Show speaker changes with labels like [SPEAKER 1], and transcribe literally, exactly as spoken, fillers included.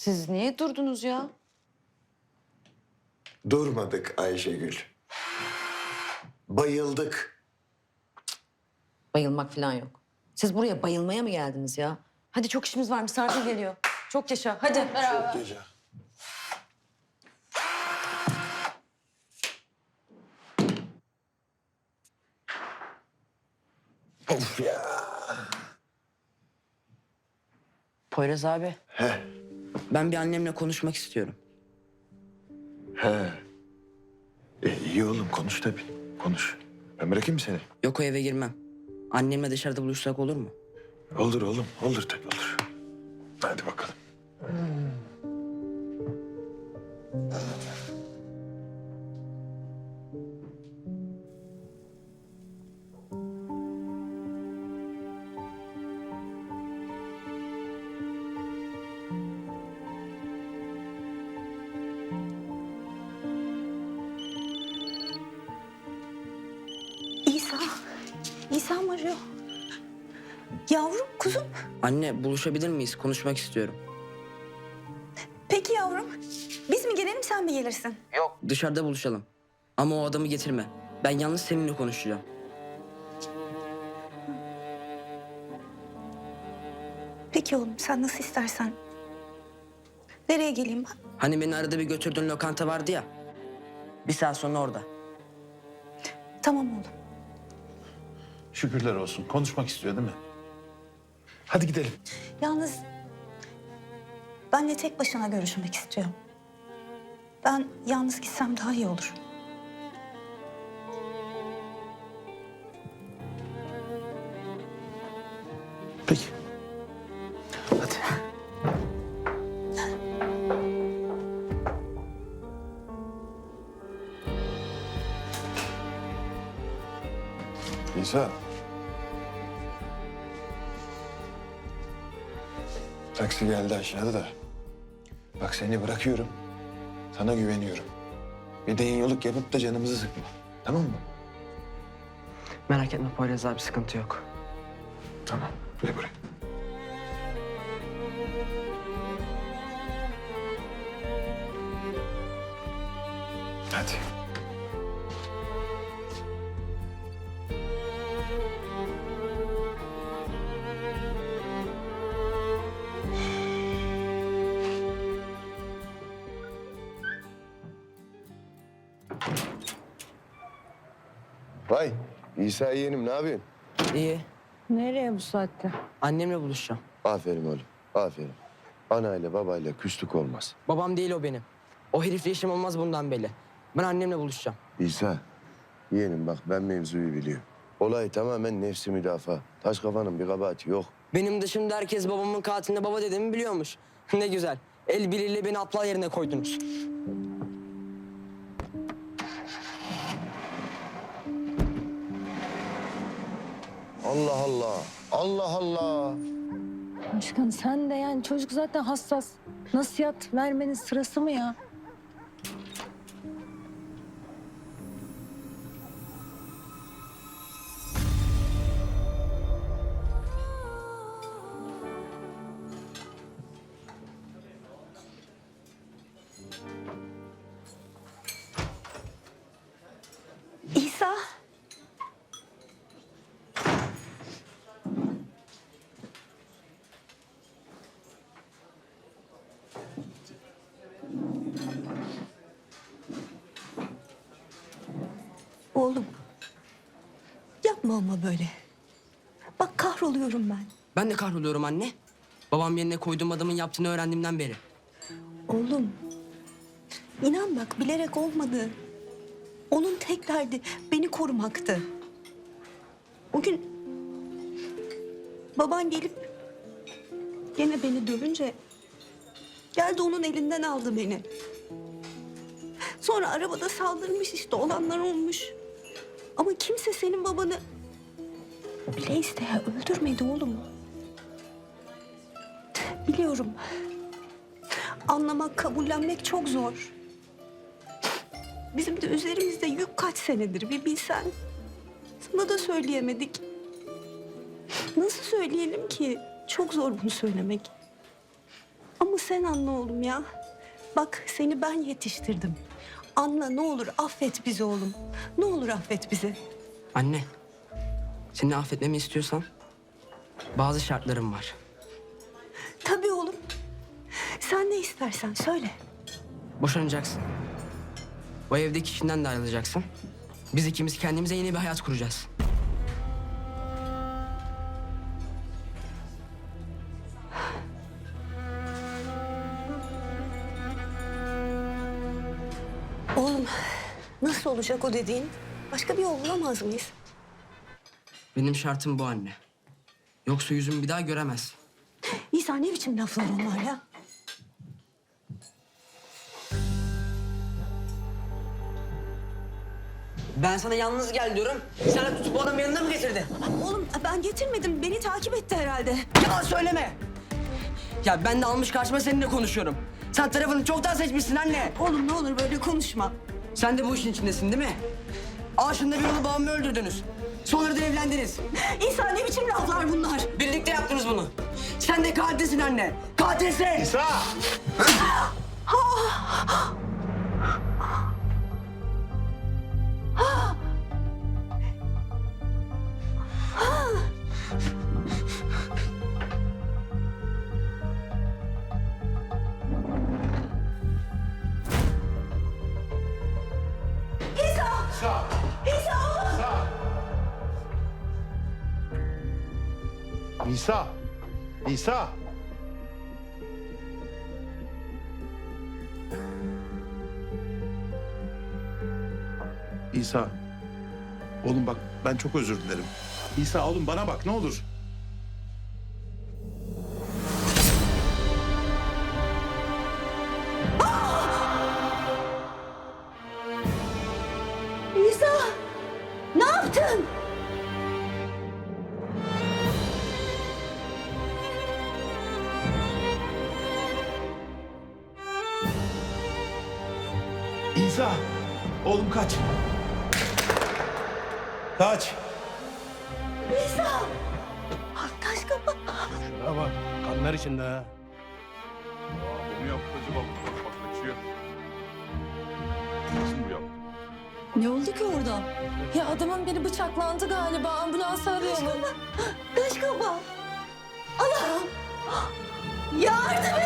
[SPEAKER 1] Siz niye durdunuz ya?
[SPEAKER 2] Durmadık Ayşegül. Bayıldık.
[SPEAKER 1] Bayılmak falan yok. Siz buraya bayılmaya mı geldiniz ya? Hadi çok işimiz var, misafir geliyor. Çok yaşa, hadi.
[SPEAKER 2] Çok gece. Of ya.
[SPEAKER 3] Poyraz abi,
[SPEAKER 2] He,
[SPEAKER 3] ben bir annemle konuşmak istiyorum.
[SPEAKER 2] he. E, iyi oğlum konuş tabii. Konuş. Ben bırakayım mı seni?
[SPEAKER 3] Yok, o eve girmem. Annemle dışarıda buluşsak olur mu?
[SPEAKER 2] Olur oğlum. Olur tabii olur. Hadi bakalım.
[SPEAKER 4] İsa, İsa mı arıyor? Yavrum, kuzum.
[SPEAKER 3] Anne, buluşabilir miyiz? Konuşmak istiyorum.
[SPEAKER 4] Peki yavrum. Biz mi gelelim, sen mi gelirsin?
[SPEAKER 3] Yok. Dışarıda buluşalım. Ama o adamı getirme. Ben yalnız seninle konuşacağım.
[SPEAKER 4] Peki oğlum, sen nasıl istersen. Nereye geleyim ben?
[SPEAKER 3] Hani beni arada bir götürdüğün lokanta vardı ya. Bir saat sonra orada.
[SPEAKER 4] Tamam oğlum.
[SPEAKER 5] Şükürler olsun. Konuşmak istiyor değil mi? Hadi gidelim.
[SPEAKER 4] Yalnız benle tek başına görüşmek istiyorum. Ben yalnız gitsem daha iyi olur.
[SPEAKER 5] Peki. Hadi.
[SPEAKER 2] İsa. Taksi geldi aşağıda da. Bak seni bırakıyorum. Sana güveniyorum. Bir de yoluk yapıp da canımızı sıkma. Tamam mı?
[SPEAKER 3] Merak etme Poyraz abi, sıkıntı yok.
[SPEAKER 2] Tamam. Gel buraya. Hadi.
[SPEAKER 6] Vay İsa yeğenim ne yapıyorsun?
[SPEAKER 3] İyi.
[SPEAKER 7] Nereye bu saatte?
[SPEAKER 3] Annemle buluşacağım.
[SPEAKER 6] Aferin oğlum aferin. Anayla babayla küslük olmaz.
[SPEAKER 3] Babam değil o benim. O herifle işim olmaz bundan belli. Ben annemle buluşacağım.
[SPEAKER 6] İsa yeğenim bak ben mevzuyu biliyorum. Olay tamamen nefsi müdafaa. Taş kafanın bir kabahati yok.
[SPEAKER 3] Benim dışımda herkes babamın katiline baba dediğimi biliyormuş. Ne güzel. El birliğiyle beni aptal yerine koydunuz.
[SPEAKER 6] Allah Allah. Allah Allah.
[SPEAKER 7] Başkan sen de yani çocuk zaten hassas. Nasihat vermenin sırası mı ya?
[SPEAKER 4] İsa. Oğlum. Yapma ama böyle. Bak kahroluyorum ben.
[SPEAKER 3] Ben de kahroluyorum anne. Babam yerine koyduğum adamın yaptığını öğrendiğimden beri.
[SPEAKER 4] Oğlum. İnan bak bilerek olmadı. Onun tek derdi beni korumaktı. O gün baban gelip gene beni dövünce geldi onun elinden aldı beni. Sonra arabada saldırmış işte olanlar olmuş. Ama kimse senin babanı bile isteye öldürmedi oğlum. Biliyorum. Anlamak, kabullenmek çok zor. Bizim de üzerimizde yük kaç senedir bir bilsen. Sana da söyleyemedik. Nasıl söyleyelim ki? Çok zor bunu söylemek. Ama sen anla oğlum ya. Bak seni ben yetiştirdim. Anla ne olur affet bizi oğlum. Ne olur affet bizi.
[SPEAKER 3] Anne, seni affetmemi istiyorsan bazı şartlarım var.
[SPEAKER 4] Tabii oğlum. Sen ne istersen söyle.
[SPEAKER 3] Boşanacaksın. O evdeki kişiden de ayrılacaksın. Biz ikimiz kendimize yeni bir hayat kuracağız.
[SPEAKER 4] Oğlum nasıl olacak o dediğin? Başka bir yol bulamaz mıyız?
[SPEAKER 3] Benim şartım bu anne. Yoksa yüzümü bir daha göremez.
[SPEAKER 4] İsa ne biçim laflar onlar ya?
[SPEAKER 3] Ben sana yalnız gel diyorum. Sen de tutup bu adamı yanına mı getirdin?
[SPEAKER 4] Oğlum ben getirmedim. Beni takip etti herhalde.
[SPEAKER 3] Yalan söyleme. Ya ben de almış karşıma seninle konuşuyorum. Sen tarafını çoktan seçmişsin anne.
[SPEAKER 4] Oğlum ne olur böyle konuşma.
[SPEAKER 3] Sen de bu işin içindesin değil mi? Aşında bir yolu babamı öldürdünüz. Sonra da evlendiniz.
[SPEAKER 4] İsa ne biçim laflar bunlar?
[SPEAKER 3] Birlikte yaptınız bunu. Sen de katilsin anne. Katilsin.
[SPEAKER 5] İsa! İsa! İsa! İsa. Oğlum bak ben çok özür dilerim. İsa oğlum bana bak ne olur.
[SPEAKER 4] İsa ne yaptın?
[SPEAKER 5] İsa! Oğlum kaç. Kaç.
[SPEAKER 4] İsa! Taş kafa.
[SPEAKER 8] Şuna bak, kanlar içinde ha.
[SPEAKER 9] Bu mu yaptı acaba? Bak bak kaçıyor. Nasıl bu yaptı?
[SPEAKER 7] Ne oldu ki orada? Ya adamın biri bıçaklandı galiba. Ambulansı arayalım.
[SPEAKER 4] Taş kafa. Allah'ım. Yardım